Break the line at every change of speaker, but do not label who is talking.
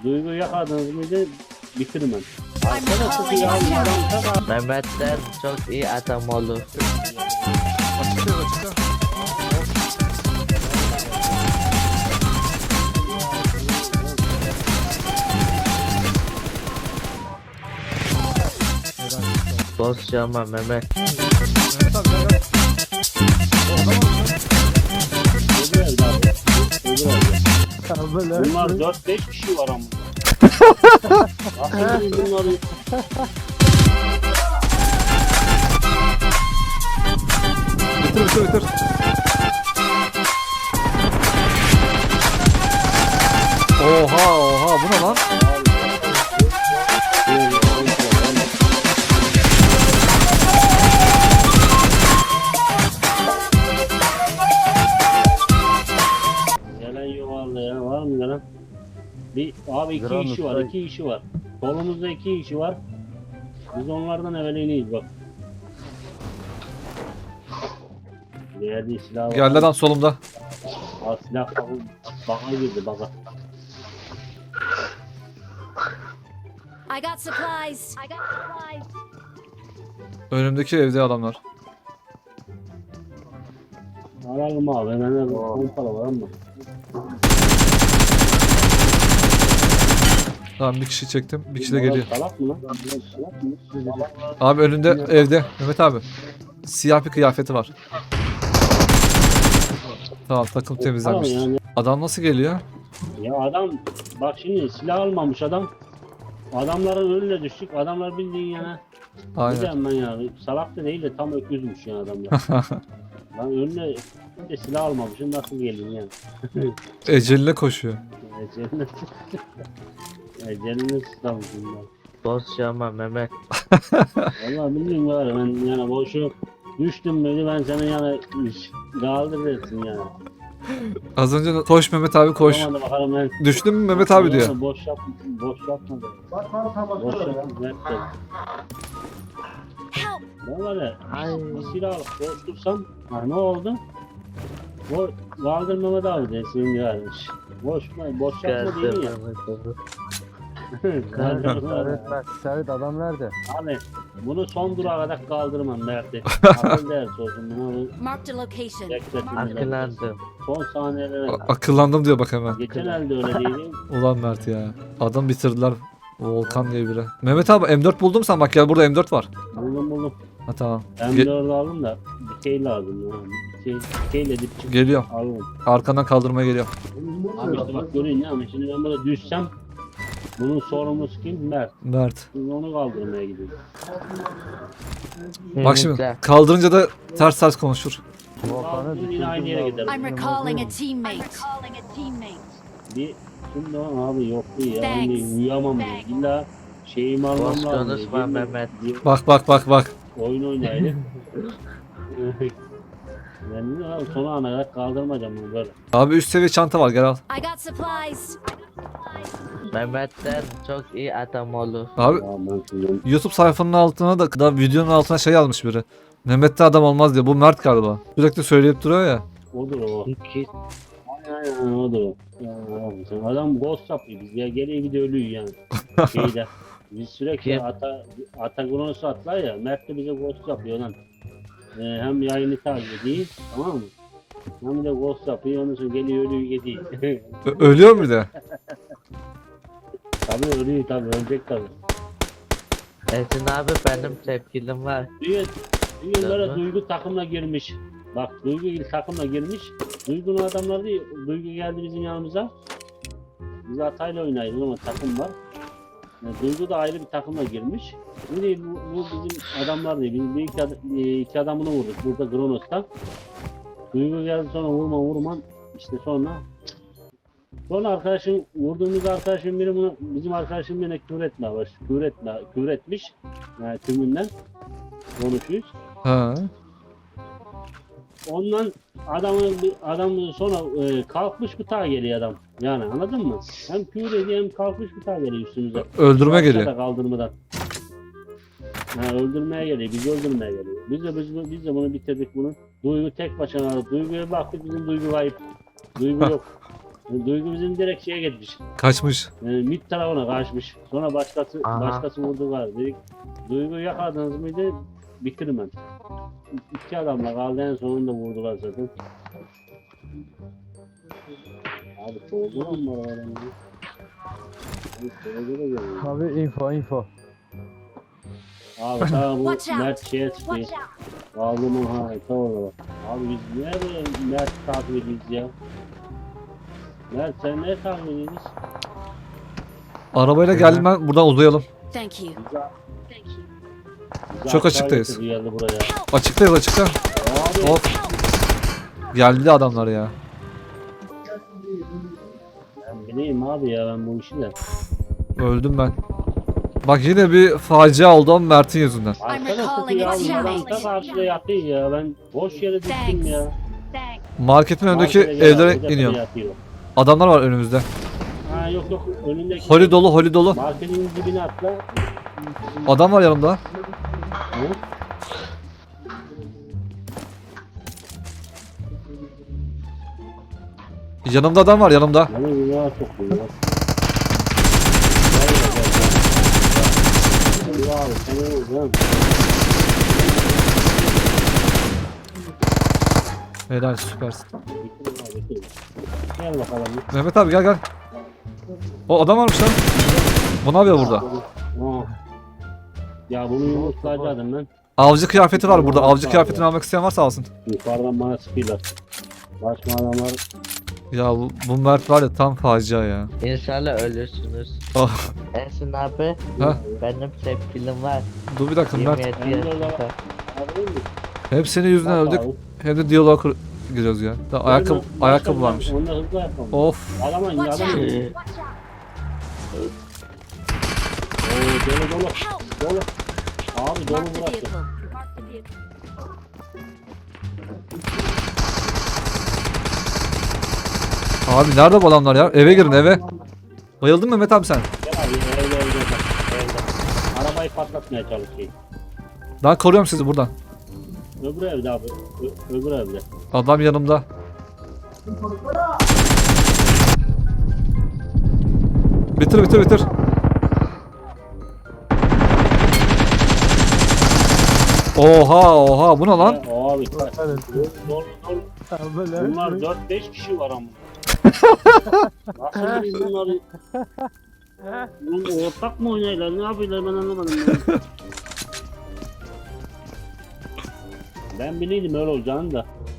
Duygu yakaladınız mıydı bitirmem. Arkadaşlar ya adam
Mehmet'ten çok iyi adam olur.
Açıkta açıkta.
Boz yapma Mehmet.
Mehmet abi gel gel. O adam
Bunlar 4-5 kişi var ama. Aslında bunları
bitir. Oha bu ne lan?
gelen yuvarlı ya var mı gelen? Bir abi iki kişi var, 2 kişi var. Solumuzda 2 kişi var. Biz onlardan evveliyneyiz bak. Bir yerde silah var.
Geldi adam solumda.
Aa, silah baka girdi baka.
I got supplies.
Önümdeki evde adamlar.
Ararım abi hemen pompalı var ama.
Tamam bir kişi çektim. Bir kişi de geliyor.
Salak mı lan? Salak mı?
Abi önünde evde. Mehmet abi. Siyah bir kıyafeti var. Tamam takım temizlenmiş.
Tamam yani.
Adam nasıl geliyor?
Ya adam bak şimdi silah almamış adam. Adamların önüne düştük. Adamlar bildiğin yana.
Aynen.
Gidem ben ya. Salak da değil de tam öküzmüş ya adamlar. Ben önüne de silah almamışım. Nasıl geleyim yani?
Eceline koşuyor.
Eceline Eceline sıçramışım ben.
Boz yapma Mehmet.
Valla bilmiyorum var ben yani boşu düştüm müydü ben seni yani kaldırırsın yani.
Az önce koş Mehmet abi koş.
Tamam da bakalım ben.
Düştün mü Mehmet abi diyor.
Boş yapma da. Boş yapma.
Help!
Ben var ya bir silah alıp koştursam ha ne oldu? O kaldırmama da abi desin yani. Boş yapma değil
Geldim
ya.
Mehmet.
Serhat adam nerede?
Abi bunu son durağa kadar kaldırmam Mert'e. Akıl ders olsun bunu
Marked a location.
bekletin.
Akıllandım.
Son saniyelere.
Akıllandım diyor bak hemen.
Geçen elde öyle değildi.
Ulan Mert ya. Adam bitirdiler. Volkan diye biri. Mehmet abi M4 buldum sen bak gel burada M4 var.
Buldum.
Ha tamam.
Ben de orada aldım da bir şey lazım yani. Bir şeyle dip çık
Geliyorum.
aldım.
Arkandan kaldırmaya geliyor.
Abi işte bak görün ya ama şimdi ben burada düşsem bunun sorumlusu kim? Mert.
Mert.
Biz onu kaldırmaya gidiyoruz.
Bak şimdi
Güzel.
kaldırınca da ters konuşur.
Kaldırın yine aynı yere gideriz.
I'm recalling a teammate.
Bir şimdi abi yok bu ya.
Thanks.
Hani uyuyamam diyor. İlla şeyimi almam
Boş
lazım.
konuşma Mehmet.
Bir
Bak.
oyun oynayalım. Ben de abi son ana kadar kaldırmayacağım bunu böyle.
Abi üst seviye çanta var gel al.
I got supplies.
Mehmet'ten çok iyi adam olur.
Abi
Ya ben şimdi
YouTube sayfanın altına da videonun altına şey yazmış biri. Mehmet'te adam olmaz diye. Bu Mert galiba. Sürekli söyleyip duruyor ya.
odur o.
İki.
Aynen odur o. Ya abi sen adam ghost yapıyor biz ya geriye gidiyor ölüyor yani. Şeyde. Biz sürekli
Kim?
ata kronosu atlar ya. Mert de bize ghost yapıyor lan. Hem yayını takip ediyor tamam mı? Hem de ghost yapıyor ondan sonra geliyor ölüyor gidiyor.
Ölüyor mu bir de?
Tabii ölüyor tabii ölecek tabii.
Esin abi benim tepkilim var.
Düğünlere Duygu takımla girmiş. Bak Duygu ilk takımla girmiş. Duygu'nun adamları değil. Duygu geldi bizim yanımıza. Biz Atay'la oynaydık ama takım var. Yani Duygu da ayrı bir takımla girmiş. Bu değil bu bizim adamlar değil. Biz iki adamını vurduk burada Kronos'ta. Duygu geldi sonra vurman işte sonra arkadaşım vurduğumuz arkadaşım biri bunu bizim arkadaşım yine küfür etmiş. Yani tümünden konuşuyoruz.
Ha.
Ondan adam sonra kalkmış bıtağa geliyor adam. Yani anladın mı? Hem küfür ediyor hem kalkmış bıtağa geliyor üstümüze.
Öldürme
Aşağıda
geliyor.
Kaldırmadan. Ha, öldürmeye geliyor. Bizi öldürmeye geliyor. Biz de bunu bitirdik bunu. Duygu tek başına. Duygu'ya baktık bizim Duygu kayıp. Duygu yok. Duygu bizim direkt şeye gitmiş.
Kaçmış.
Mid tarafına kaçmış. Sonra
Aha.
başkası vurdu var. Dedik Duygu'yu yakaladınız mıydı? Bitirim ben. İki adamla kaldı en sonunda vurdular zaten. Abi soğudu mu var adamı?
Abi info.
Abi tamam bu
Watch out.
Mert şeye çıktı.
Watch out.
Kaldırmam ha orada. Abi biz niye böyle Mert takip ediyoruz ya? Mert sen ne takip ediyorsun?
Arabayla geldim ben. Buradan uzayalım.
Thank you.
Çok açıktayız.
Geldi buraya.
Açıktayız açıkta.
Abi
Hop. Geldi adamlar ya.
ben bileyim abi ya ben bu işi de.
Öldüm ben. Bak yine bir facia oldu ama Mert'in yüzünden.
Arkadaşlar
recalling
ya
it.
adam ta karşıda yatıyor ya ben boş yere düştüm
Thanks.
ya.
Marketin önündeki
Markete gel abi,
evlere
tepede
iniyor.
yatıyor.
Adamlar var önümüzde.
Ha yok önündeki.
Holi dolu holi dolu.
Marketin dibine atla.
Adam var yanımda.
Hı?
Yanımda adam var yanımda.
Bana günaha sokuyor ya. Gel abi sen oğlum.
Helal süpersin.
Gel bakalım.
Mehmet abi gel gel. O adam varmış lan. Bu ne yapıyor burada?
Aa. Ya bunu yumurtlayacaktım ben.
Avcı kıyafeti var burada. Avcı kıyafetini almak isteyen varsa alsın.
Yukarıdan bana sıkıyorlar. Başka adamlar
Ya bu Mert var ya tam facia ya.
İnşallah ölürsünüz.
Ah.
Ersin abi
Ha?
benim sevgilim var.
Dur bir dakika Mert.
27
Ben de
yaşında.
alabilir miyim?
Hem senin yüzünden öldük hem de diyaloğa giriyoruz ya. Da ayakkabı varmış.
Onda hızlı ayakkabı.
Of.
Adamın
Watch
adamın.
out.
Oo dolu.
Help.
Dolu. Abi dolu
Mark the
burası.
vehicle.
Abi nerede bu adamlar ya? Eve girin eve. Bayıldın mı Mehmet abi sen?
Gel abi evde. Arabayı patlatmaya çalışıyor.
Ben koruyorum sizi buradan.
Öbür evde abi. Öbür evde.
Adam yanımda. Bitir. Oha bu ne lan?
Abi kaç.
Evet.
Dolu.
Böyle
Bunlar 4-5 kişi var ama. Nasıl biz bunları? Bunun ortak mı oynayırlar? Ne yapıyorlar ben anlamadım. Ben bileydim öyle olacağını da.